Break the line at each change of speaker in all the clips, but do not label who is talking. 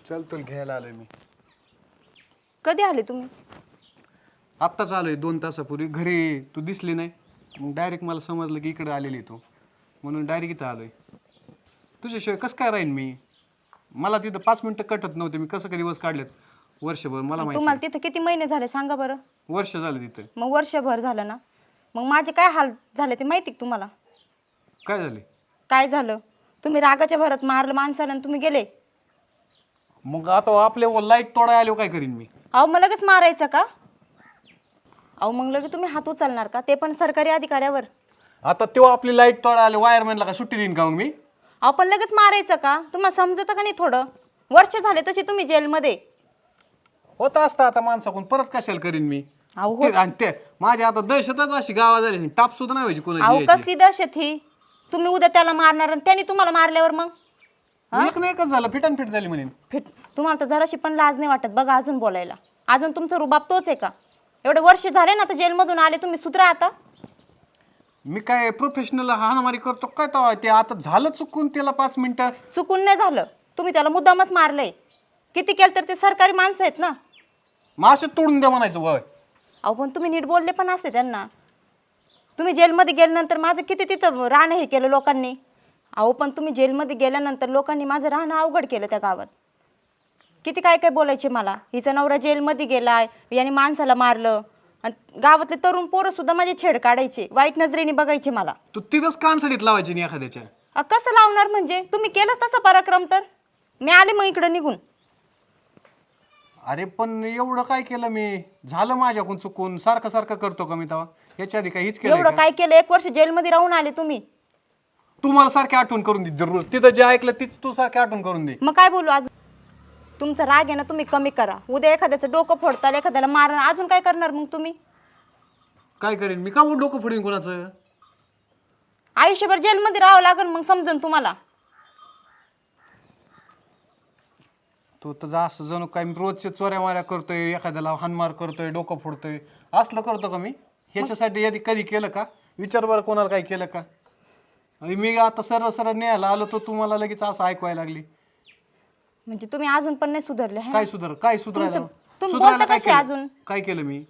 चल तुला घ्यायला आलोय मी.
कधी आले तुम्ही?
आत्ताच आलोय 2 तासापूर्वी. घरी तू दिसली नाही, मग डायरेक्ट मला समजलं की इकडे आलेली तू, म्हणून डायरेक्ट इथं आलोय. तुझ्याशिवाय कसं काय राहीन मी? मला तिथं 5 मिनिटं कटत नव्हते. मी कसं काय दिवस काढलेत वर्षभर मला माहिती.
तुम्हाला तिथं किती महिने झाले सांगा बरं?
वर्ष झालं तिथं.
मग वर्षभर झालं ना, मग माझे काय हाल झाले ते माहिती का तुम्हाला?
काय झाले?
काय झालं? तुम्ही रागाच्या भरात मारलं माणसाला आणि तुम्ही गेले.
मग आता आपले लाईट तोडाय आलो काय करीन मी?
अहो मग लगेच मारायचं का? अहो मग लगेच तुम्ही हात उचलणार का, ते पण सरकारी अधिकाऱ्यावर?
आता तेव्हा आपली लाईट तोडाय आले, वायरमॅनला का सुट्टी देईन का मग मी?
अहो पण लगेच मारायचं का? तुम्हाला समजतं का नाही थोडं? वर्ष झाले तसे तुम्ही जेलमध्ये.
होत असतं आता माणसाकडून, परत कशाला करीन मी?
अहो
ते आणि ते माझी आता दहशतच अशी गावात झाली, टाप सुद्धा नाही व्हायची
अहो
कोणाची यायची.
कसली दहशत ही? तुम्ही उद्या त्याला मारणार आणि त्याने तुम्हाला मारल्यावर मग
एक ना एकच झालं, फिट झाली म्हणे.
फिट. तुम्हाला तर जराशी पण लाज नाही वाटत बघा अजून बोलायला? अजून तुमचा रुबाब तोच आहे का? एवढे वर्ष झाले ना तर जेलमधून आले तुम्ही, सुधरा आता.
मी काय प्रोफेशनल हाणामारी करतो काय तेव्हा? ते आता झालं चुकून, त्याला 5 मिनिटं.
चुकून नाही झालं, तुम्ही त्याला मुद्दामच मारलंय. किती केलं तर ते सरकारी माणसं आहेत ना.
मासे तोडून द्या म्हणायचं वय.
अहो पण तुम्ही नीट बोलले पण असते त्यांना. तुम्ही जेलमध्ये गेल्यानंतर माझं किती तिथं राहणं हे केलं लोकांनी. अहो पण तुम्ही जेलमध्ये गेल्यानंतर लोकांनी माझं राहणं अवघड केलं त्या गावात. किती काय काय बोलायचे मला, हिचा नवरा जेलमध्ये गेलाय, याने माणसाला मारलं. आणि गावातले तरुण पोरं सुद्धा माझे छेड काढायचे, वाईट नजरेने बघायचे मला.
तू तिथंच कानसडीत लावायची नाही एखाद्याच्या.
कसं लावणार म्हणजे? तुम्ही केलंच तसा पराक्रम तर मी आले मग इकडं निघून.
अरे पण एवढं काय केलं मी? झालं माझ्याकडून चुकून. सारखं सारखं करतो का मी तेव्हा? याच्या आधी काही हीच केलं
एवढं काय केलं? 1 वर्ष जेलमध्ये राहून आले तुम्ही.
तू मला सारखी आठवण करून दे जरूर. तिथं जे ऐकलं तीच तू सारखी आठवण करून दे.
मग काय बोलू आज? तुमचा राग आहे ना, तुम्ही कमी करा. उद्या एखाद्याचं डोकं फोडताल, एखाद्याला मारण, अजून काय करणार मग तुम्ही?
काय करेन मी? का मग डोकं फोडीन कोणाचं?
आयुष्यभर जेलमध्ये राहावं लागेल मग समजन तुम्हाला.
तू तर असं जणू काय मी रोजचे चोऱ्या माऱ्या करतोय, एखाद्याला हानमार करतोय, डोकं फोडतोय, असलं करतो का मी? ह्याच्यासाठी कधी केलं का? विचार बरं कोणाला काय केलं का? मी आता सरळ सरळ न्यायला आलो तर तुम्हाला लगेच असं ऐकवायला लागली.
म्हणजे तुम्ही अजून पण नाही सुधारले है ना?
काय सुधारायला?
तुम्ही
सुधारायला
बोलता
काय
कसे
केलं?
अजून?
काय केलं मी?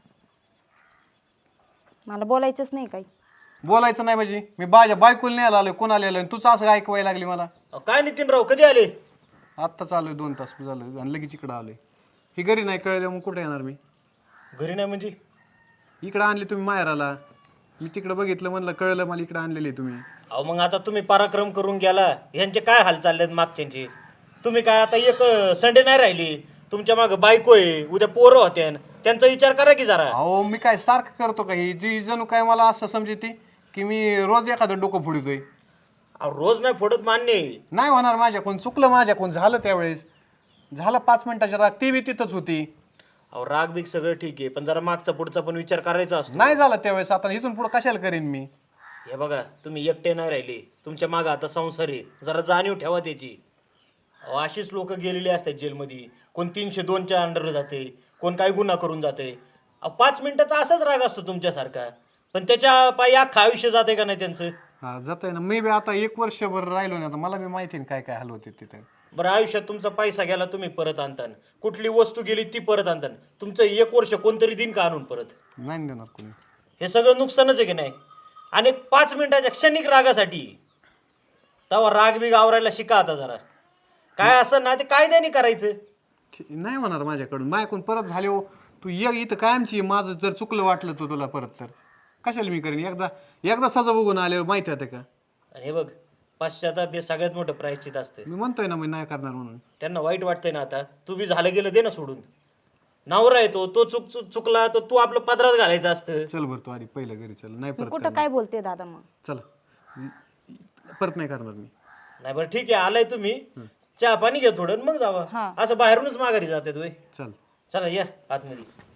मला बोलायचंच नाही काही.
बोलायचं नाही म्हणजे मी माझ्या बायकोला न्यायला आलोय, कोणाला आलोय, तूच असं ऐकवायला लागली मला.
काय नितीनराव कधी आले?
आत्ताच आलोय, 2 तास झालं आणि लगेच इकडं आलोय. ही घरी नाही कळलं मग कुठे येणार मी?
घरी नाही म्हणजे?
इकडं आणली तुम्ही माहेराला. मी तिकडं बघितलं, म्हणलं कळलं मला इकडं आणलेली तुम्ही.
अहो मग आता तुम्ही पराक्रम करून गेला, ह्यांचे काय हाल चाललेत मागच्यांचे? तुम्ही काय आता एक संडे नाही राहिली, तुमच्या मागं बायको आहे, उद्या पोरं होते, त्यांचा विचार करा की जरा.
अहो मी काय सारखं करतो का? ही जी जणू काय मला असं समजते की मी रोज एखादं डोकं फोडतोय.
अहो रोज नाही फोडत मान्य आहे.
नाही होणार माझ्याकडून, चुकलं माझ्याकडून, झालं त्यावेळेस. झालं 5 मिनिटाच्या राग, ती बी तिथंच होती.
अहो राग बीग सगळं ठीक आहे, पण जरा मागचा पुढचा पण विचार करायचा असतो.
नाही झालं त्यावेळेस, आता इथून पुढं कशाला करेन मी?
हे बघा तुम्ही एकटे नाही राहिले, तुमच्या मागं आता संसार आहे, जरा जाणीव ठेवा त्याची. अहो अशीच लोक गेलेली असतात जेलमध्ये. कोण 302च्या अंडर जाते, कोण काय गुन्हा करून जाते. अहो 5 मिनिटाचा असाच राग असतो तुमच्यासारखा, पण त्याच्या पायी अख्खं आयुष्य जाते का नाही त्यांचं?
हा जात आहे ना. मी बी आता 1 वर्षभर राहिलो नाही, आता मला बी माहिती आहे काय काय हाल होते तिथे.
बरं आयुष्यात तुमचा पैसा गेला तुम्ही परत आणतान, कुठली वस्तू गेली ती परत आणतान, तुमचं 1 वर्ष कोणतरी दिन का आणून परत?
नाही देणार कोणी.
हे सगळं नुकसानच आहे की नाही? आणि 5 मिनिटाच्या क्षणिक रागासाठी तेव्हा राग बी आवरायला शिका आता जरा. काय असं ना ते कायद्याने करायचं.
नाही होणार माझ्याकडून. माझ्याकडून परत झाले हो. तू ये इथं कायमची. माझं जर चुकलं वाटलं तर तुला परत, तर कशाला मी करेन? एकदा सजा बघून आल्यावर माहिती होते का?
आणि हे बघ, पश्चाताप हे सगळ्यात मोठं प्रायश्चित असतं.
मी म्हणतोय ना मी नाही करणार म्हणून.
त्यांना वाईट वाटतंय ना आता, तू बी झालं गेलं दे ना सोडून. नवरा आहे तो चुकला तर तू आपलं पदरात घालायचं असतं.
चल बरं, तू आधी पहिलं घरी चल. नाही परत
कुठं काय बोलते दादा मग?
चला, परत नाही करणार मी.
नाही बरं ठीक आहे, आलाय तुम्ही, चहा पाणी घ्या थोडं मग जावा. असं बाहेरूनच माघारी जाते तुम्ही.
चल.
चला या आतमध्ये.